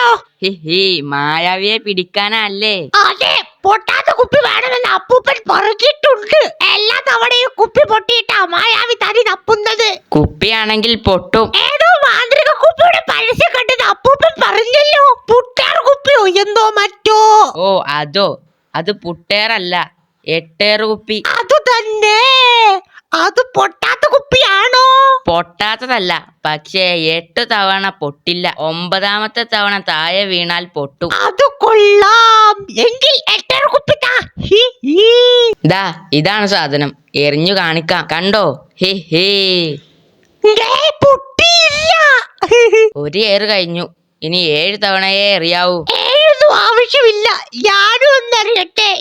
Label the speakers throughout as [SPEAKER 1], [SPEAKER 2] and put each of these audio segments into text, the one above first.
[SPEAKER 1] He മായാവിയെ പിടിക്കാനല്ലേ?
[SPEAKER 2] അതെ, പൊട്ടാത്ത കുപ്പി വേണമെന്ന് അപ്പൂപ്പൻ പറഞ്ഞിട്ടുണ്ട്. എല്ലാ തവണയും കുപ്പി പൊട്ടിയിട്ടാ മായാവി തനി തപ്പുന്നത്.
[SPEAKER 1] കുപ്പിയാണെങ്കിൽ പൊട്ടും.
[SPEAKER 2] ഏതോ മാന്ത്രിക കുപ്പിയുടെ പരസ്യം കണ്ടത് അപ്പൂപ്പൻ പറഞ്ഞല്ലോ. പുട്ടാർ കുപ്പിയോ എന്തോ മറ്റോ.
[SPEAKER 1] ഓ അതോ, അത് പുട്ടേറല്ല, എട്ടേറ് കുപ്പി.
[SPEAKER 2] അത് തന്നെ. അത് പൊട്ടാത്ത കുപ്പിയാണോ?
[SPEAKER 1] പൊട്ടാത്തതല്ല, പക്ഷേ 8 തവണ പൊട്ടില്ല. 9ാമത്തെ തവണ താഴെ വീണാൽ പൊട്ടും.
[SPEAKER 2] അത് കൊള്ളാം. എങ്കിൽ എട്ടേറ് കുപ്പി താ.
[SPEAKER 1] ദാ ഇതാണ് സാധനം, എറിഞ്ഞു കാണിക്കാം, കണ്ടോ? ഹി ഹി
[SPEAKER 2] പൊട്ടിയില്ല.
[SPEAKER 1] ഒരു ഏറ് കഴിഞ്ഞു, ഇനി 7 തവണയേ എറിയാവൂ.
[SPEAKER 2] ഏതൊന്നും ആവശ്യമില്ല, ഞാനും ഒന്നറിയട്ടെ.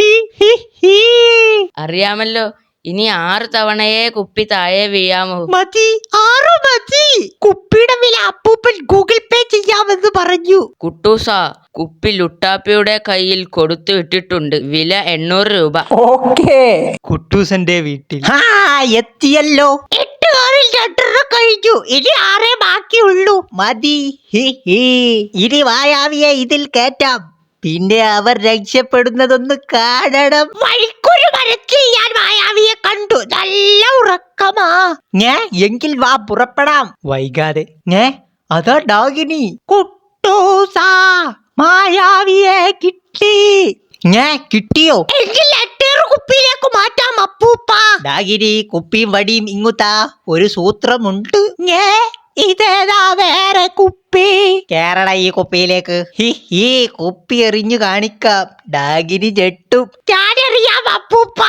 [SPEAKER 1] അറിയാമല്ലോ, ഇനി 6 തവണയേ കുപ്പി താഴെ വീഴാമോ?
[SPEAKER 2] മതി, 6 മതി. കുപ്പിയുടെ വില അപ്പൂപ്പൻ ഗൂഗിൾ പേ ചെയ്യാമെന്ന് പറഞ്ഞു.
[SPEAKER 1] കുട്ടൂസാ, കുപ്പി ലുട്ടാപ്പിയുടെ കയ്യിൽ കൊടുത്തു വിട്ടിട്ടുണ്ട്. വില 800 രൂപ.
[SPEAKER 3] ഓക്കേ. കുട്ടൂസന്റെ വീട്ടിൽ
[SPEAKER 2] എത്തിയല്ലോ. 8 ആറിൽ 2 കഴിഞ്ഞു, ഇനി 6 ബാക്കിയുള്ളൂ. മതി. ഇനി മായാവിയെ ഇതിൽ കേറ്റാം. പിന്നെ അവർ രക്ഷപ്പെടുന്നതൊന്ന് കാണണം. വഴിക്കൊരു മരത്തിൽ ഞാൻ മായാവിയെ കണ്ടു. നല്ല ഉറക്കമാ. എങ്കിൽ വാ, പുറപ്പെടാം.
[SPEAKER 3] വൈകാതെ.
[SPEAKER 2] അതാ ഡാഗിനി. കുട്ടൂസാ, മായാവിയെ കിട്ടി. കിട്ടിയോ? എങ്കിൽ എട്ടേറ് കുപ്പിയിലേക്ക് മാറ്റാം അപ്പൂപ്പ. ഡാഗിനി, കുപ്പിയും വടിയും ഇങ്ങുത്താ. ഒരു സൂത്രമുണ്ട്. ഇതേതാ വേറെ കുപ്പി? കേരള ഈ കുപ്പിയിലേക്ക്. ഈ കുപ്പി എറിഞ്ഞു കാണിക്കാം. ഡാഗിനി ഞെട്ടും. ഞാനറിയാം അപ്പൂപ്പ.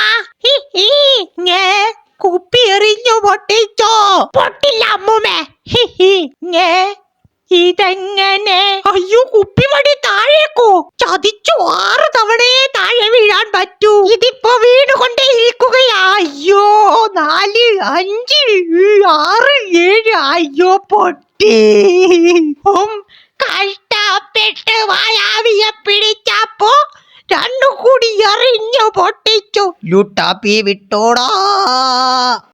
[SPEAKER 2] കുപ്പി എറിഞ്ഞു പൊട്ടിച്ചോ? പൊട്ടില്ല അമ്മൂമ്മേ. ഇതെങ്ങനെ? അയ്യോ, കുപ്പിവടി താഴേക്കോ? ചതിച്ചു. 6 തവണയേ താഴെ വീഴാൻ പറ്റൂ. ഇതിപ്പോ വീണുകൊണ്ടേ ഇരിക്കുകയാ. അയ്യോ, 4 5 6 7. അയ്യോ, പൊട്ടി. കഷ്ടപ്പെട്ട് മായാവിയെ പിടിച്ചപ്പോ 2 കൂടി എറിഞ്ഞു പൊട്ടിച്ചു. ലുട്ടാപ്പി വിട്ടോടാ.